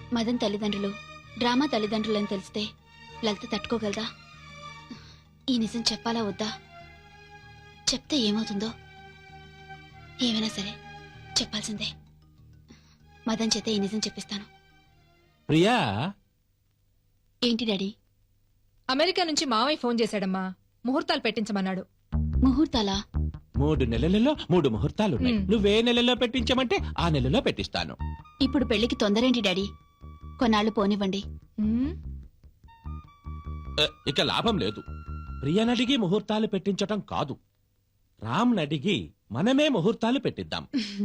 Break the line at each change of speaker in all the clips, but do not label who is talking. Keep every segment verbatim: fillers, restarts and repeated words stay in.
మదన్ తల్లిదండ్రులు డ్రామా తల్లిదండ్రులని తెలిస్తే లలిత తట్టుకోగలదా? ఈ నిజం చెప్పాలా వద్దా? చెప్తే ఏమవుతుందో? ఏమైనా సరే చెప్పాల్సిందే. మదన్ చేత ఈ నిజం చెప్పిస్తాను.
ప్రియా,
ఏంటి డాడీ?
అమెరికా నుంచి మావయ్య ఫోన్ చేశాడమ్మా. ముహూర్తాలు పెట్టించమన్నాడు.
ముహూర్తాలా?
మూడు నెలలలో మూడు ముహూర్తాలున్నాయి.
మ్.
నువ్వే నెలలో పెట్టించమంటే ఆ నెలలో పెట్టిస్తాను.
ఇప్పుడు పెళ్లికి తొందరేంటి డాడీ? కొన్నాళ్లు పోనివ్వండి.
ఉమ్,
అ, ఇక లాభం లేదు. ప్రియనడిగి ముహూర్తాలు పెట్టించటం కాదు, రామ్ నడిగి మనమే ముహూర్తాలు పెట్టిద్దాం.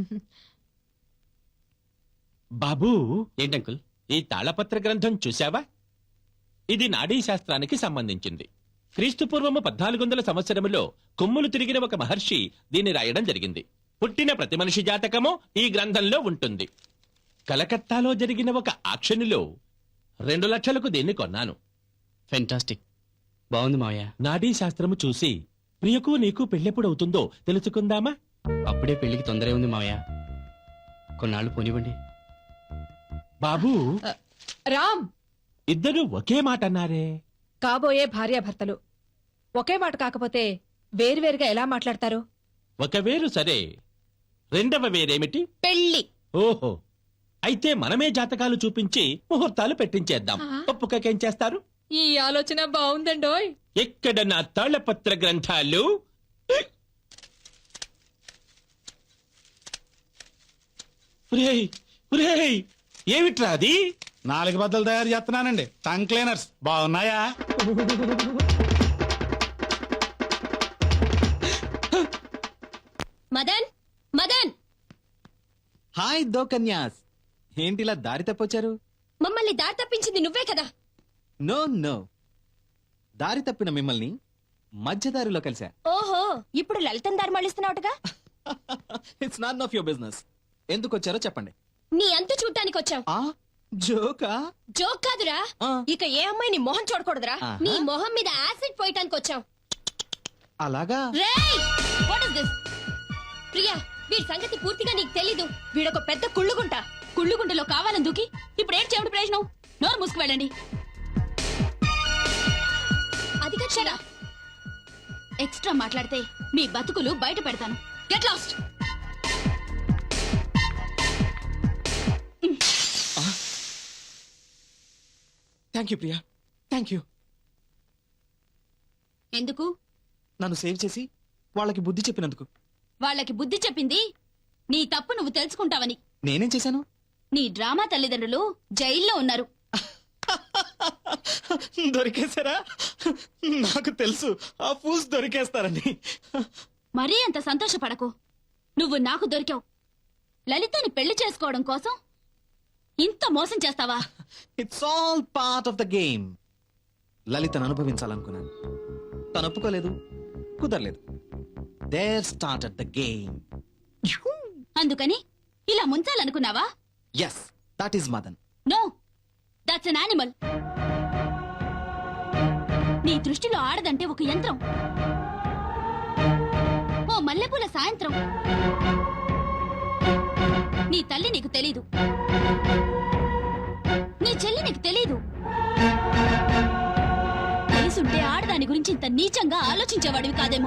బాబూ,
ఏంటంకుల్?
ఈ తాళపత్ర గ్రంథం చూశావా? ఇది నాడీ శాస్త్రానికి సంబంధించింది. క్రీస్తు పూర్వము పద్నాలుగు వందల సంవత్సరములో కొమ్ములు తిరిగిన ఒక మహర్షి దీన్ని రాయడం జరిగింది. పుట్టిన ప్రతి మనిషి జాతకము ఈ గ్రంథంలో ఉంటుంది. కలకత్తాలో జరిగిన ఒక ఆక్షన్లో రెండు లక్షలకు దీన్ని కొన్నాను.
ఫెంటాస్టిక్, బాగుంది మావయ్య.
నాడీ శాస్త్రము చూసి ప్రియకు నీకు పెళ్ళెప్పుడవుతుందో తెలుసుకుందామా?
అప్పుడే పెళ్లికి తొందరే ఉంది మావయ్య, కొన్నాళ్ళు పోనివ్వండి.
బాబూ,
రామ్,
ఇద్దరు ఒకే మాట అన్నారే.
కాబోయే భార్యాభర్తలు ఒకే మాట కాకపోతే వేరువేరుగా ఎలా మాట్లాడతారు?
ఒక వేరు సరే, రెండవ వేరేమిటి?
పెళ్లి.
ఓహో, అయితే మనమే జాతకాలు చూపించి ముహూర్తాలు పెట్టించేద్దాం.
ఆ.
ఒప్పుకకేం చేస్తారు?
ఈ ఆలోచన బాగుందండోయ్.
ఎక్కడ నా తాళపత్ర గ్రంథాలు? ఒరేయ్, ఒరేయ్, ఏమిట్రా అది?
నాలుగు బద్దలు తయారు చేస్తున్నానండి, టంగ్ క్లీనర్స్. బాగున్నాయా?
మదన్, మదన్,
హాయ్ దో కన్యాస్, ఏంటిలా దారి తప్పొచ్చారు?
మమ్మల్ని దారి తప్పించింది నువ్వే కదా?
నో నో, దారి తప్పిన మిమ్మల్ని మధ్యదారిలో కలిసా.
ఓహో, ఇప్పుడు లలితం దారి మళ్ళిస్తున్నావుగా?
It's not of your business. ఎందుకు వచ్చారో చెప్పండి.
నీ అంతు చూడటానికి వచ్చాం.
ఆ జోకా?
జోక్ కాదురా,
ఆ.
ఇక ఏ అమ్మాయి నీ మొహం చూడకూడదురా.
ఆహా.
నీ మొహం మీద యాసిడ్ పోయటానికి వచ్చాం.
అలాగా?
రేయ్, వాట్ ఇస్ దిస్? ప్రియా, వీడి సంగతి పూర్తిగా నీకు తెలీదు. వీడొక పెద్ద కుళ్ళుగుంట. కుళ్ళుగుంటలో కావాలని దూకి ఇప్పుడు ఏం చెవిటి ప్రయోజనం? నోరు మూసుకు వెళ్ళండి. అది కక్షరా, ఎక్స్ట్రా మాట్లాడితే మీ బతుకులు బయట పెడతాను. Get lost.
Thank you Priya, thank you.
ఎందుకు?
నన్ను సేవ్ చేసి వాళ్ళకి బుద్ధి చెప్పినందుకు.
వాళ్ళకి బుద్ధి చెప్పింది నీ తప్పు నువ్వు తెలుసుకుంటావని.
నేనేం చేశాను?
నీ డ్రామా తల్లిదండ్రులు జైల్లో ఉన్నారు.
దొరికేశారా? నాకు తెలుసు ఆ ఫూల్స్ దొరికేస్తారని.
మరీ అంత సంతోషపడకు. నువ్వు నాకు దొరికావు. లలితని పెళ్లి చేసుకోవడం కోసం ఇంత మోసం చేస్తావా?
It's all part of the game. లలితను అనుభవించాలనుకున్నాను, తను ఒప్పుకోలేదు, కుదరలేదు. There started the game.
అందుకని ఇలా ముంచాలనుకున్నావా?
Yes, that is Madan.
No, that's an animal. నీ దృష్టిలో ఆడదంటే ఒక యంత్రం. ఓ మల్లెపూల సాయంత్రం. నీ తల్లి నీకు తెలీదు, నీ చెల్లి నీకు తెలీదు. తెలుసుంటే ఆడదాని గురించి ఇంత నీచంగా ఆలోచించేవాడివి కాదేమో.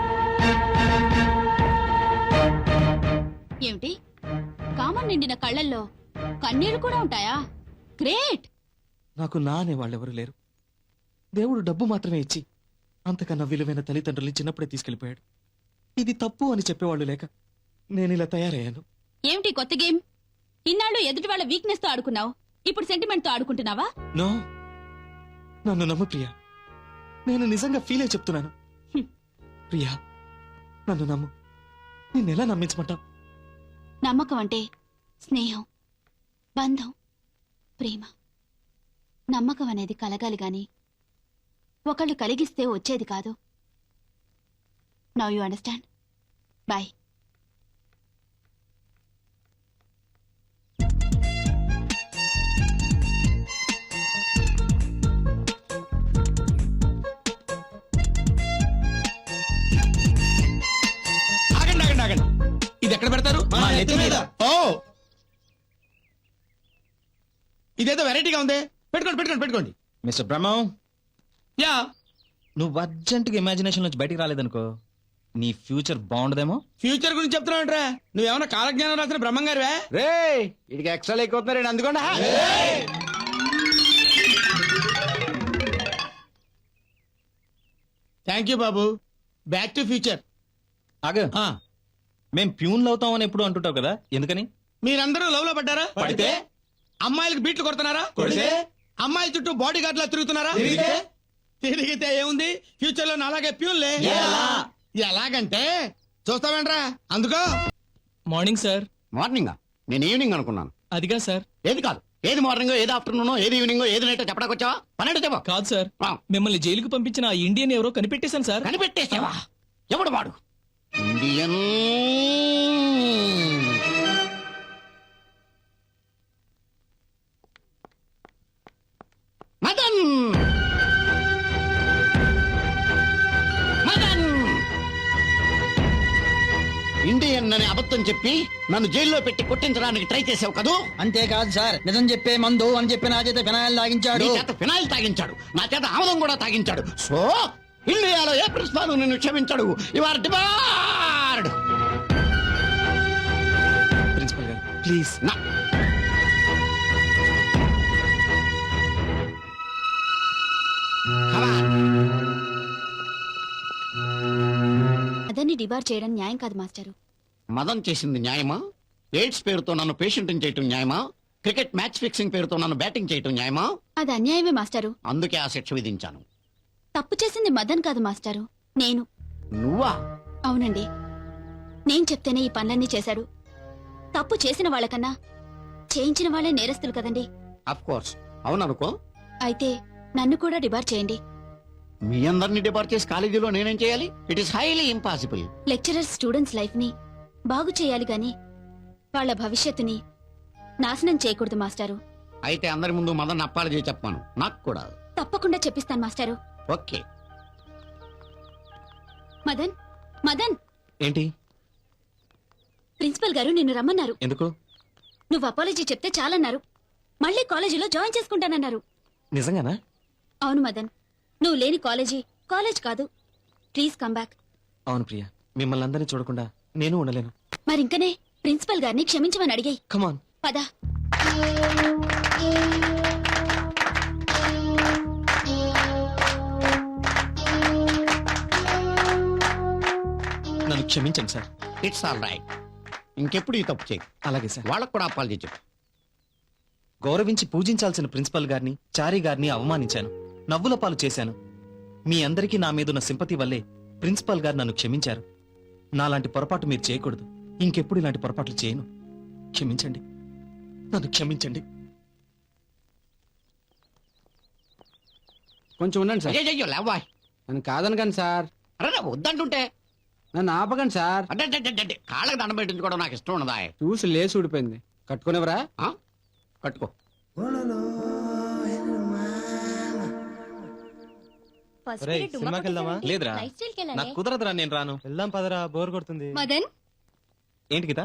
ఏమిటి, కామం నిండిన కళ్ళల్లో కన్నీళ్లు కూడా ఉంటాయా? గ్రేట్.
నాకు నా అనే వాళ్ళెవరూ లేరు. దేవుడు డబ్బు మాత్రమే ఇచ్చి అంతకన్నా విలువైన తల్లిదండ్రుల్ని చిన్నప్పుడే తీసుకెళ్లిపోయాడు. ఇది తప్పు అని చెప్పేవాళ్ళు లేక నేను ఇలా తయారయ్యాను.
ఏమిటి కొత్త గేమ్? ఇన్నాళ్ళు ఎదుటి వాళ్ళ వీక్నెస్ తో ఆడుకున్నావు, ఇప్పుడు సెంటిమెంట్ తో ఆడుకుంటున్నావా?
నో, నన్ను నమ్ము ప్రియా, నేను నిజంగా ఫీల్ అయి చెప్తున్నాను.
హ్మ్.
ప్రియా, నన్ను నమ్ము. నిన్నెలా నమ్మించమంటావు?
నమ్మకం అంటే స్నేహం, బంధం, ప్రేమ. నమ్మకం అనేది కలగాలి గాని ఒకళ్ళు కలిగిస్తే వచ్చేది కాదు. Now you understand. బాయ్.
ఆగండి ఆగండి ఆగండి, ఇది ఎక్కడ పెడతారు?
మా నెత్తి మీద. ఓ
ఇదేదో వెరైటీగా ఉంది. పెట్టుకోండి పెట్టుకోండి పెట్టుకోండి.
మిస్టర్ బ్రహ్మం,
యా
నువ్వు అర్జెంటుగా ఇమాజినేషన్ నుంచి బయటికి రాలేదనుకో నీ ఫ్యూచర్ బాగుండదేమో.
ఫ్యూచర్ గురించి చెప్తున్నావుంట్రా? నువ్వేమన్నా కాలజ్ఞానం రాసిన బ్రహ్మం గారివే?
రే ఇడికి ఎక్స్ట్రా ఎక్కుతున్నారండి అందుకోండి.
థ్యాంక్ యూ బాబు. Back to future.
ఆగ మేం ప్యూన్లు అవుతామని ఎప్పుడు అంటుంటావు కదా, ఎందుకని?
మీరందరూ లవ్ లో పడ్డారా?
పడితే?
అమ్మాయిలకు బీట్లు కొడుతున్నారా?
కొడితే?
అమ్మాయిల చుట్టూ బాడీ గార్డ్ లా తిరుగుతున్నారా?
తిరిగితే?
తిరిగితే ఏముంది, ఫ్యూచర్ లో అలాగే ప్యూన్లే.
ఎలా?
ఎలాగంటే చూస్తావేంట్రా? అందుకో
మార్నింగ్ సార్.
మార్నింగ్ నేను ఈవినింగ్ అనుకున్నాను.
అదిగా సార్.
ఏది కాదు, ఏది మార్నింగ్ ఏది ఆఫ్టర్నూన్ ఏది ఈవినింగ్ ఏది నైట్ చెప్పడానికి వచ్చావా? పన్నెండు చెప్పా.
కాదు సార్,
ఆ.
మిమ్మల్ని జైలుకు పంపించిన ఆ ఇండియన్ ఎవరో కనిపెట్టేశాను సార్.
కనిపెట్టేసావా? ఎవడు వాడు? ఇండియన్ మదన్ మదన్ ఇండియన్ అని అబద్ధం చెప్పి నన్ను జైల్లో పెట్టి కొట్టించడానికి ట్రై చేసావు కదూ?
అంతేకాదు సార్, నిజం చెప్పే మందు అని చెప్పి నా చేత ఫినాయిల్
నీ
తాగించాడు.
చేత ఫినాయిల్ తాగించాడు, నా చేత ఆమదం కూడా తాగించాడు. సో ఇండియాలో ఏ ప్రిన్సిపాల్ నిన్ను క్షమించాడు. You are debarred.
ప్రిన్సిపల్ గారు ప్లీజ్.
నా
అదని డిబార్ చేయడం న్యాయం కాదు మాస్టారు.
మదన్ చేసింది న్యాయమా? ఎయిడ్స్ పేరుతో నన్ను పేషెంట్ చేయటం న్యాయమా? క్రికెట్ మ్యాచ్ ఫిక్సింగ్ పేరుతో నన్ను బ్యాటింగ్ చేయటం న్యాయమా?
అది అన్యాయమే మాస్టారు.
అందుకే ఆ శిక్ష విధించాను.
తప్పు చేసింది మదన్ కాదు మాస్టారు, నేను.
నువ్వా?
అవునండి, నేను చెప్తేనే ఈ పనులన్నీ చేశాడు. తప్పు చేసిన వాళ్ళకన్నా చేయించిన వాళ్ళే నేరస్తులు కదండి.
అఫ్ కోర్స్ అవుననుకో.
అయితే నన్ను కూడా డిబార్ చేయండి.
మీ అందరినీ డిపార్ట్ చేసి కాలేజీలో నేనేం చేయాలి? It is highly impossible.
Lecturer students life ని బాగు చేయాలి గాని వాళ్ళ భవిష్యత్తుని నాశనం చేయకూడదు మాస్టారు.
అయితే అందరి ముందు మదన్ అప్పాలజీ చెప్పాను. నాకు కూడా.
తప్పకుండా చెప్పిస్తాను మాస్టారు.
ఓకే.
మదన్ మదన్
ఏంటి?
ప్రిన్సిపల్ గారు నిన్ను రమ్మన్నారు.
ఎందుకు?
నువ్వు అపాలజీ చెప్తే చాలన్నారు. మళ్ళీ కాలేజీలో జాయిన్ చేసుకుంటానన్నారు.
నిజంగానా?
అవును మదన్, నువ్వు లేని కాలేజీ కాలేజ్ కాదు. Please come back.
అవును ప్రియా, మిమ్మల్ని అందరినీ చూడకుండా నేను ఉండలేను.
మరింకనే ప్రిన్సిపల్ గారిని క్షమించమని అడిగాయి.
కమాన్.
పద.
నన్ను క్షమించండి సార్.
It's all right. ఇంకెప్పుడు ఈ తప్పు చేయి.
అలాగే సార్.
వాళ్ళకు కూడా అప్పాలజీ చెప్పు.
గౌరవించి పూజించాల్సిన ప్రిన్సిపల్ గారిని, చారీ గారిని అవమానించాను, నవ్వుల పాలు చేశాను. మీ అందరికీ నా మీదున్న సింపతి వల్లే ప్రిన్సిపల్ గారు నన్ను క్షమించారు. నాలాంటి పొరపాటు మీరు చేయకూడదు. ఇంకెప్పుడు ఇలాంటి పొరపాట్లు చేయను. క్షమించండి, నన్ను క్షమించండి.
కొంచెం ఉండండి సార్.
అయ్యో లేవాయ్.
నన్ను కాదనకండి సార్.
అరే వద్దంటుంటే
నన్ను ఆపకండి సార్.
అంటే కాళ్ళకి దండం పెట్టించుకోవడం నాకు ఇష్టం ఉన్నదా?
చూసి లేసి ఊడిపోయింది. కట్టుకునేవరా?
ఆ? కట్టుకో.
లేదురా, నాకు కుదరదురా, నేను రాను.
వెళ్దాం పదరా, బోర్ కొడుతుంది.
మదన్,
ఏంటి గీత?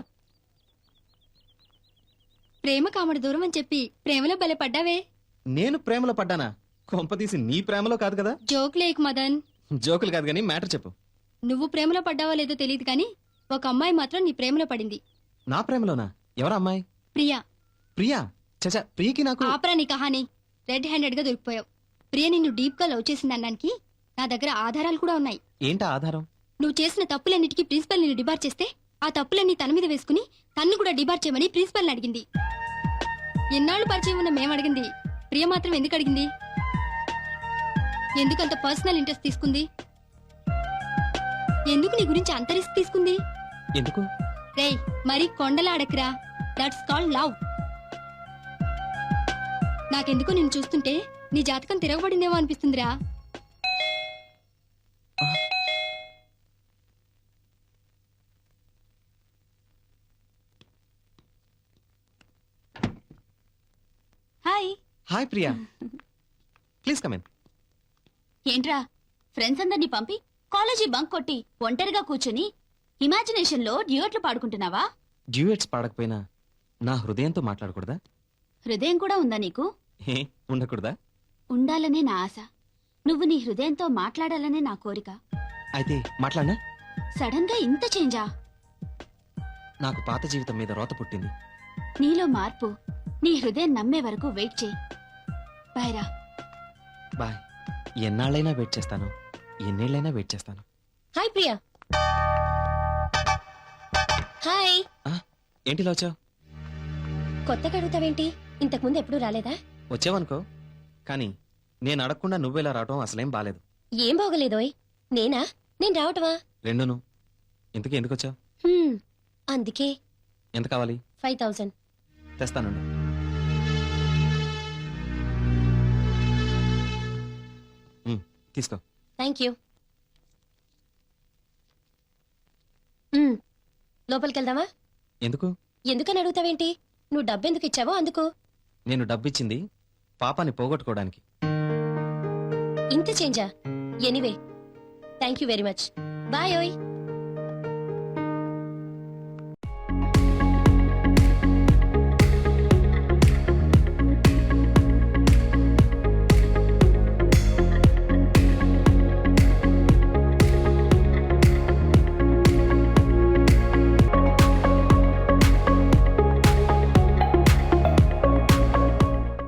ప్రేమ కామడు దూరం అని చెప్పి ప్రేమలో బలే పడ్డావే.
నేను ప్రేమలో పడ్డానా? కొంపతీసి నీ ప్రేమలో కాదు కదా.
జోక్ లేక్ మదన్.
జోకులు కాదు కానీ మ్యాటర్ చెప్పు.
నువ్వు ప్రేమలో పడ్డావో లేదో తెలియదు కానీ ఒక అమ్మాయి మాత్రం నీ ప్రేమలో పడింది.
నా ప్రేమలోనా? ఎవరా అమ్మాయి?
ప్రియా.
ప్రియా? చచా, ప్రియకి నాకు.
ఆపరా నీ కహాని. రెడ్ హ్యాండెడ్ గా దొరికిపోయావు. ప్రియ నిన్ను డీప్ గా లవ్ చేసిందనడానికి నా దగ్గర ఆధారాలు కూడా ఉన్నాయి.
ఏంటా ఆధారం?
నువ్వు చేసిన తప్పులన్నిటికీ ప్రిన్సిపల్ నిన్ను డిబార్ చేస్తే ఆ తప్పులన్నీ తన మీద వేసుకుని తన్ను కూడా డిబార్ చేయమని ప్రిన్సిపల్ అడిగింది. ఎన్నాళ్ళు పరిచయం ఉన్న మేము అడిగింది, ప్రియ మాత్రం ఎందుకు అడిగింది? ఎందుకంత పర్సనల్ ఇంట్రెస్ట్ తీసుకుంది? ఎందుకు నీ గురించి అంత రిస్క్ తీసుకుంది?
ఎందుకు?
రేయ్, మరి కొండలాడకురా. That's called love. నాకెందుకో నిన్ను చూస్తుంటే నీ జాతకం తిరగబడిందేమో అనిపిస్తుందిరా. Hi.
Hi Priya, please come in.
ఏంట్రా, ఫ్రెండ్స్ అందరినీ పంపి కాలేజీ బంక్ కొట్టి ఒంటరిగా కూర్చుని ఇమాజినేషన్ లో డ్యూయట్లు పాడుకుంటున్నావా?
డ్యూయట్స్ పాడకపోయినా నా హృదయంతో మాట్లాడకూడదా?
హృదయం కూడా ఉందా నీకు?
హే ఉండకూడదా?
ఉండాలనే నా ఆశ. నువ్వు నీ హృదయంతో మాట్లాడాలనే నా కోరిక.
అయితే మాట్లాడనా?
సడన్ గా ఇంత చేంజా?
నాకు పాత జీవితం మీద రోత పుట్టింది.
నీలో మార్పు నీ హృదయం నమ్మే వరకు వెయిట్ చేయి. బాయ్రా.
బాయ్. ఎన్నాళ్ళైనా వెయిట్ చేస్తాను, ఎన్నేళ్ళైనా వెయిట్ చేస్తాను.
హాయ్ ప్రియా. హాయ్.
ఆ, ఏంటి ఇలా వచ్చావు?
కొత్తగా అడుగుతావేంటి? ఇంతకు ముందు ఎప్పుడు రాలేదా?
వచ్చావనుకో, కానీ నేను అడగకుండా నువ్వేలా రావటం అసలేం బాలేదు.
ఏం బాగలేదోయ్. నేనా? నేను రావటమా?
రెండును. ఇంతకీ ఎందుకు వచ్చావు?
హ్మ్, అందుకే.
ఎంత కావాలి?
Five thousand.
తెస్తానండి. ఉమ్, తీసుకో.
Thank you. లోపలికి వెళ్దామా?
ఎందుకు?
ఎందుకని అడుగుతావేంటి? నువ్వు డబ్బెందుకు ఇచ్చావో అందుకు.
నేను డబ్బిచ్చింది పాపాన్ని పోగొట్టుకోవడానికి.
ఇంత చేంజా? Anyway thank you very much. Bye ఓయ్.